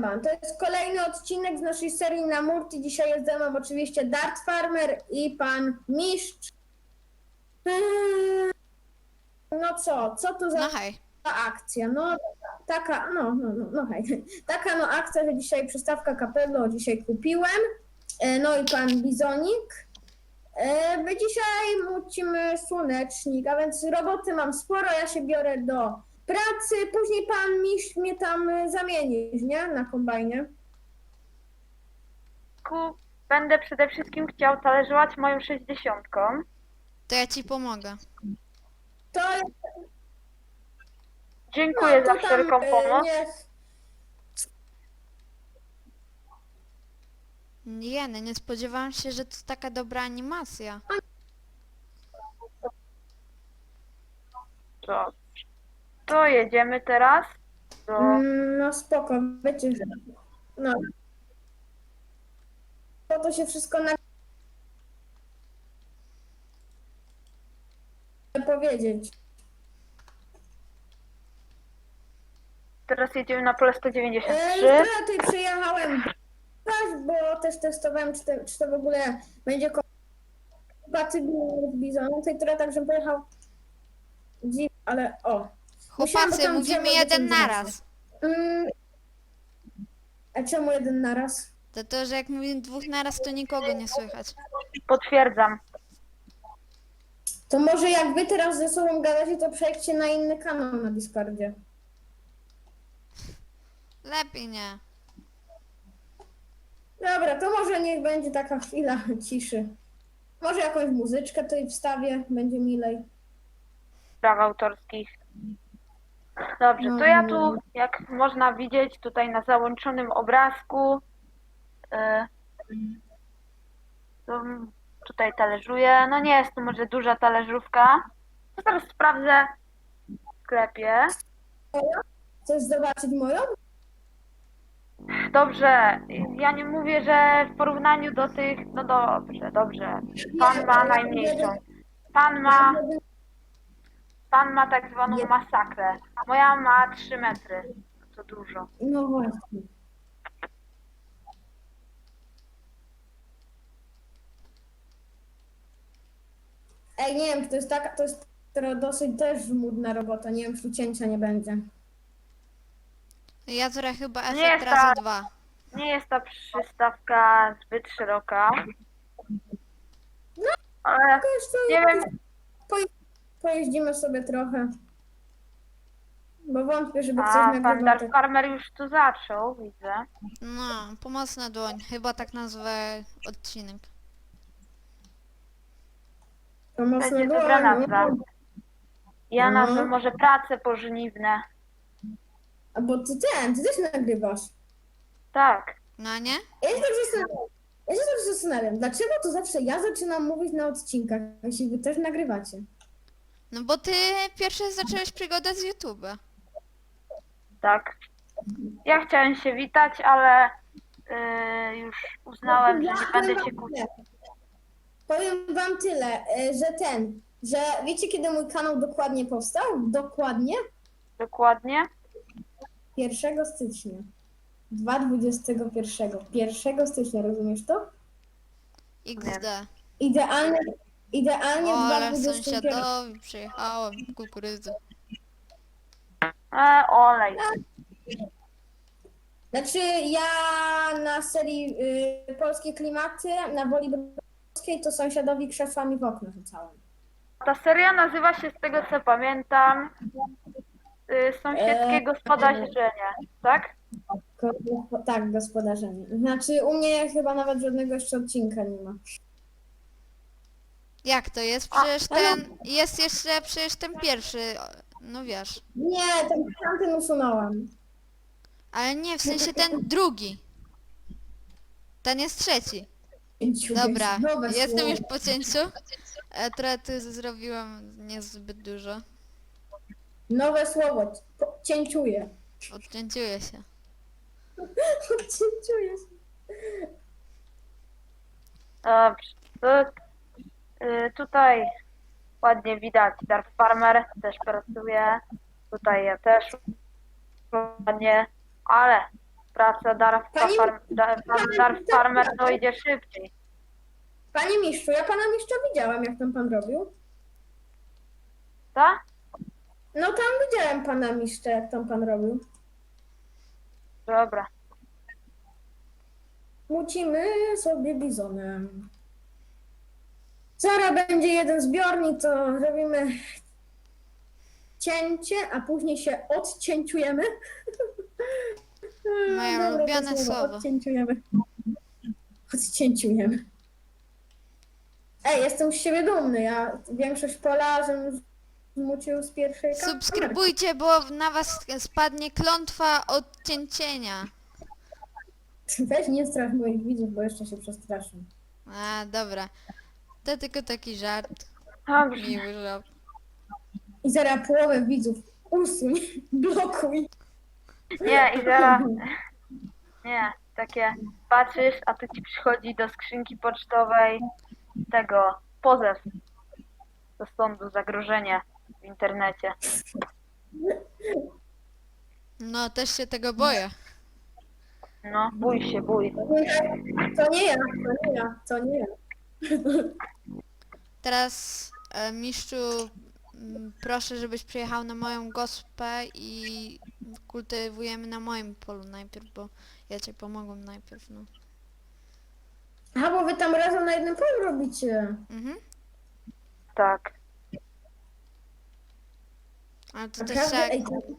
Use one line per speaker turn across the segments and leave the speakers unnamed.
Siema, to jest kolejny odcinek z naszej serii na Murti. Dzisiaj jest ze mną oczywiście Dart Farmer i pan Mistrz. No co to za
No hej.
akcja? No taka, no hej. Taka no akcja, że dzisiaj przystawka Capello dzisiaj kupiłem. No i pan Bizonik. My dzisiaj mucimy słonecznik, a więc roboty mam sporo, ja się biorę do pracy. Później pan Mistrz mnie tam zamienisz, nie? Na kombajnie.
Będę przede wszystkim chciał talerzować moją 60.
To ja ci pomogę.
To
Dziękuję
no,
za
to tam,
wszelką pomoc.
niech
Jeny, nie spodziewałam się, że to taka dobra animacja.
To jedziemy teraz do...
No spoko, wiecie, że no. To się wszystko na powiedzieć.
Teraz jedziemy na pole 193.
Ja tutaj przyjechałem, bo też testowałem, czy to w ogóle będzie kompatybilne z Bizonem. Tutaj trochę tak, żebym pojechał ale o. Musiałam, bo
Chłopacy,
tam
mówimy
drzewo
jeden
wyciągnąć.
naraz.
A czemu jeden naraz?
To, że jak mówimy dwóch naraz, to nikogo nie słychać.
Potwierdzam.
To może jak wy teraz ze sobą gadacie, to przejdźcie na inny kanał na Discordzie.
Lepiej nie.
Dobra, to może niech będzie taka chwila ciszy. Może jakąś muzyczkę tutaj wstawię, będzie milej.
Praw autorskich. Dobrze, to ja tu, jak można widzieć tutaj na załączonym obrazku, to tutaj talerzuję. No nie jest to może duża talerzówka. To teraz sprawdzę w sklepie.
Chcesz zobaczyć moją?
Dobrze, ja nie mówię, że w porównaniu do tych, no dobrze. Pan ma najmniejszą. Pan ma tak zwaną masakrę. Moja ma 3 metry. To dużo.
No właśnie. Ej, nie wiem, to jest dosyć też żmudna robota, nie wiem, czy tu cięcia nie będzie.
Ja trochę chyba
Nie
efekt
jest
razy
tak.
2.
Nie jest ta przystawka zbyt szeroka. Ale
To jeszcze
nie wiem,
pojeździmy sobie trochę. Bo wątpię, żeby coś
a pan
nagrywał.
Dark Farmer już tu zaczął, widzę.
No, pomocna dłoń. Chyba tak nazwę odcinek.
To mocno
Będzie
było,
dobra
no.
nazwa. Ja
No.
nazwę może prace pożniwne.
A bo ty też nagrywasz.
Tak.
No nie?
Ja się tak zastanawiam, dlaczego to zawsze ja zaczynam mówić na odcinkach, jeśli wy też nagrywacie?
No bo ty pierwszy zacząłeś przygodę z YouTube'a.
Tak. Ja chciałem się witać, ale już uznałem, że nie będę się kłócić.
Powiem wam tyle, że wiecie kiedy mój kanał dokładnie powstał? Dokładnie
Dokładnie.
1 stycznia 2021. 1 stycznia, rozumiesz to?
XD.
Idealnie
O,
w
ale
2021.
sąsiadowi przyjechałem kukurydzy.
Olej.
Znaczy ja na serii Polskie Klimaty, na Woli Brodowskiej, to sąsiadowi krzesłami w okno rzucałem.
Ta seria nazywa się, z tego co pamiętam, Sąsiedzkie gospodarzenie, tak?
Tak, gospodarzenie. Znaczy u mnie chyba nawet żadnego jeszcze odcinka nie ma.
Jak to jest? Przecież jest jeszcze przecież ten pierwszy, no wiesz.
Nie, tamten usunąłem.
Ale nie, w sensie ten drugi. Ten jest trzeci. Dobra,
Nowe
jestem
słowo.
już po cięciu. Trochę tu zrobiłam niezbyt dużo.
Nowe słowo. Cięciuję.
Odcięciuję się.
Cięciuję się.
Dobrze. Tutaj ładnie widać, Dark Farmer też pracuje. Tutaj ja też ładnie, ale Praca
Pani-
Darf Farmer to idzie szybciej.
Panie mistrzu, ja pana mistrza widziałam, jak tam pan robił.
Tak?
No tam widziałem pana mistrza, jak tam pan robił.
Dobra.
Mucimy sobie bizonem. Zaraz będzie jeden zbiornik, to robimy cięcie, a później się odcięciujemy.
Moje
Dobre to
ulubione słowo.
Odcięciujemy. Odcięciujemy. Ej, jestem z siebie dumny. Ja większość pola żebym zmucił z pierwszej kamery.
Subskrybujcie, bo na was spadnie klątwa odcięcienia.
Weź nie strasz moich widzów, bo jeszcze się przestraszę.
A, dobra. To tylko taki żart.
Dobrze.
Miły żart.
I zaraz połowę widzów usuń, blokuj.
Nie, i zaraz... Nie, takie patrzysz, a tu ci przychodzi do skrzynki pocztowej tego pozew do sądu, zagrożenie w internecie.
No, też się tego boję.
No, bój się, bój.
To nie ja, to nie ja, to nie ja.
Teraz, mistrzu, proszę, żebyś przyjechał na moją gospę i kultywujemy na moim polu najpierw, bo ja ci pomogłem najpierw, no.
Aha, bo wy tam razem na jednym polu robicie.
Mhm.
Tak.
Ale to też
Naprawdę?
tak...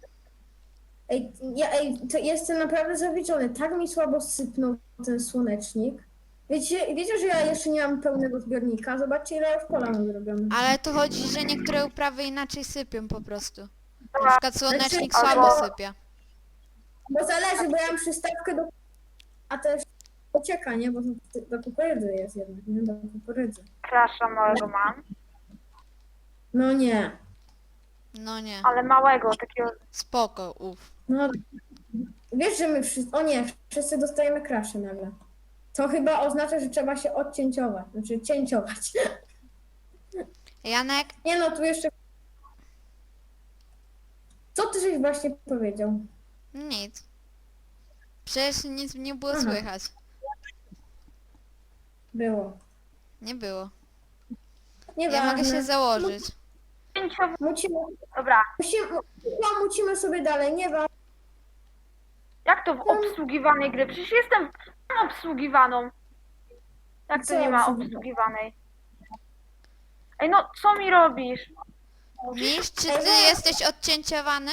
Ej, to jestem naprawdę zawiedziony. Tak mi słabo sypnął ten słonecznik. Wiecie, że ja jeszcze nie mam pełnego zbiornika? Zobaczcie, ile ja już pola mam zrobione.
Ale tu chodzi, że niektóre uprawy inaczej sypią po prostu. Na przykład słonecznik
Znaczy,
słabo
albo-
sypia.
Bo zależy, bo ja mam przystawkę do... A też pocieka, nie? Bo do kukurydzy jest jednak, nie? Do kukurydzy.
Krasza małego mam,
No nie,
ale małego, takiego...
spoko, uf.
No, wiesz, że my wszyscy... O nie, wszyscy dostajemy kraszy nagle. To chyba oznacza, że trzeba się odcięciować, znaczy cięciować.
Janek,
Nie no, tu jeszcze... Co ty żeś właśnie powiedział?
nic. Przecież nic nie było
Aha.
słychać.
Było.
Nie było.
Nieważne.
Ja mogę się założyć.
Mucimy,
Dobra,
mucimy sobie dalej, nie wa...
jak to w obsługiwanej gry? Przecież jestem obsługiwaną. Jak to
Co
nie ma
obsługiwanej?
obsługiwanej? Ej, no co mi robisz?
Mistrz, czy ty jesteś odcięciowany?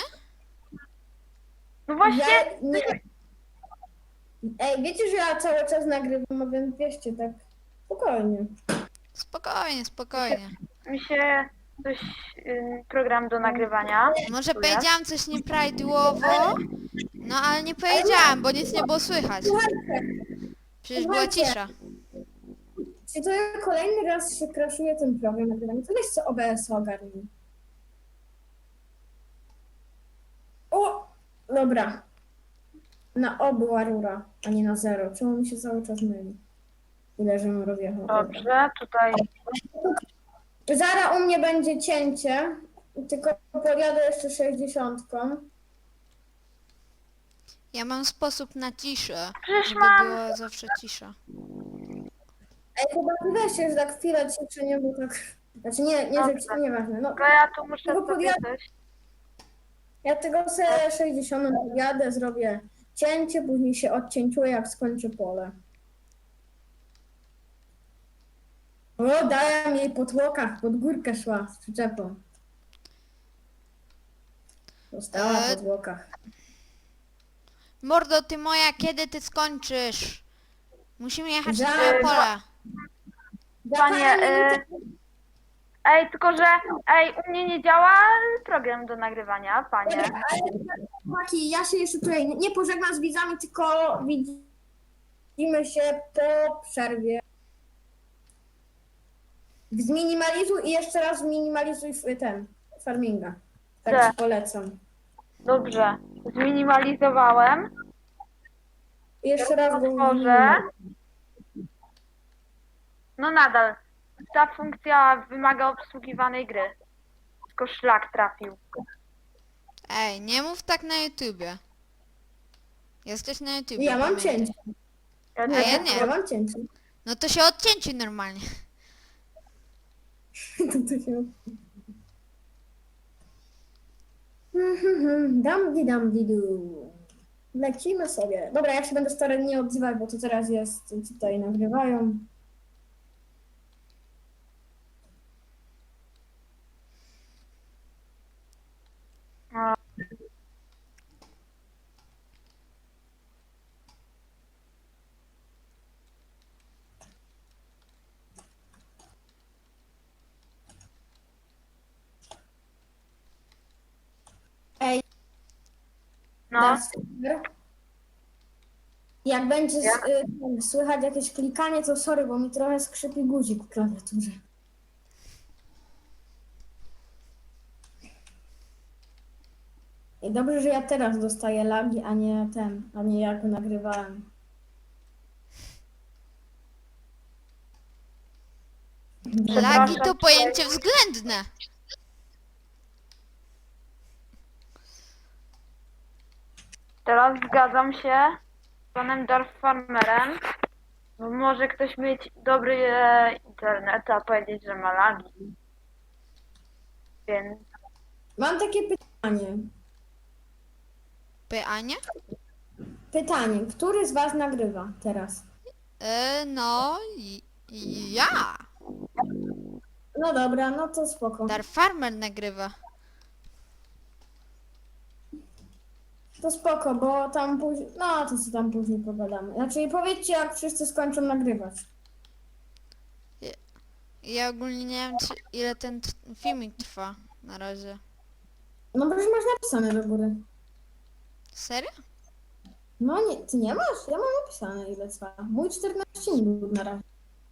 No właśnie,
Ja, nie... Ej, wiecie, że ja cały czas nagrywam, a więc wieście tak spokojnie.
Spokojnie, spokojnie.
mi się coś, program do nagrywania.
Może
Tu jest.
powiedziałam coś nieprawidłowo, no ale nie powiedziałam, bo nic nie było słychać. Przecież była cisza.
Czy to ja kolejny raz się kraszuje ten program nagrywania? To weź co OBS ogarnij. O! Dobra. Na O była rura, a nie na 0. Czemu mi się cały czas myli? Ile żebym rozjechał.
Dobrze, tutaj
Zara u mnie będzie cięcie, tylko pojadę jeszcze 60.
Ja mam sposób na ciszę,
Przecież
żeby
mam-
była zawsze cisza.
Ej, chyba ty weźcie, że tak chwilę ciszę, nie, bo tak... Znaczy nie, że
Dobrze.
nieważne. No,
to ja tu muszę
Tylko
sobie coś.
ja tego sobie 60 jadę, zrobię cięcie, później się odcięciuję, jak skończę pole. O, dałem jej po tłokach, pod górkę szła z przyczepą. Została po tłokach.
Mordo, ty moja, kiedy ty skończysz? Musimy jechać na
Za-
pola.
Za
Panie,
parę minut-
Ej, tylko że, u mnie nie działa program do nagrywania, panie.
Dobra, ale chłopaki, ja się jeszcze tutaj nie pożegnam z widzami, tylko widzimy się po przerwie. Zminimalizuj i jeszcze raz zminimalizuj ten farminga. Tak
Tak.
ci polecam.
Dobrze, zminimalizowałem.
I jeszcze raz go
Otworzę.
zminimalizuj.
No nadal, ta funkcja wymaga obsługiwanej gry. Tylko szlak trafił.
Ej, nie mów tak na YouTubie. Jesteś na YouTube.
Ja mam cięcie.
Ja
A
też
ja nie.
Ja mam cięcie.
No to się odcięci normalnie.
To się... Dam di du. Lecimy sobie. Dobra, ja się będę starał nie odzywać, bo to teraz jest, tutaj nagrywają.
No,
Ej,
no,
Darkstalker. Jak będzie słychać jakieś klikanie, to sorry, bo mi trochę skrzypi guzik w klawiaturze. I dobrze, że ja teraz dostaję lagi, a nie jak nagrywałem.
Lagi to
Przepraszam,
pojęcie względne.
teraz zgadzam się z panem Darth Farmerem. Bo może ktoś mieć dobry internet, a powiedzieć, że ma lagi. Więc
Mam takie pytanie.
Pytanie?
Pytanie, który z was nagrywa teraz?
No, ja.
No dobra, no to spoko.
Dar Farmer nagrywa.
To spoko, bo tam później, no to co tam później pogadamy. Znaczy powiedzcie, jak wszyscy skończą nagrywać.
Ja ogólnie nie wiem, ile ten filmik trwa na razie.
No bo już masz napisane do góry.
Serio?
No nie, ty nie masz? Ja mam napisane ile trwa. Mój 14 minut na razie.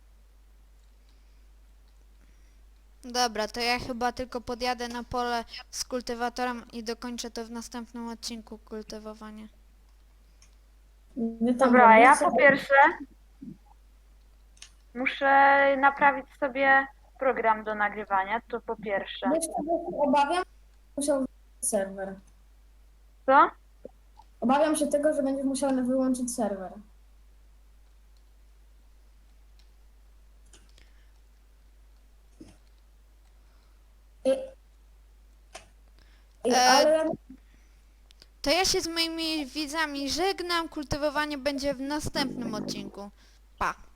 Dobra, to ja chyba tylko podjadę na pole z kultywatorem i dokończę to w następnym odcinku kultywowanie.
Wy tam
dobra, ja
robicie.
po pierwsze muszę naprawić sobie program do nagrywania, to po pierwsze.
Wiesz, czego się obawiam? Musiał wyłączyć serwer.
Co?
Obawiam się tego, że będziesz musiał wyłączyć serwer. Ale
To ja się z moimi widzami żegnam, kultywowanie będzie w następnym odcinku. Pa!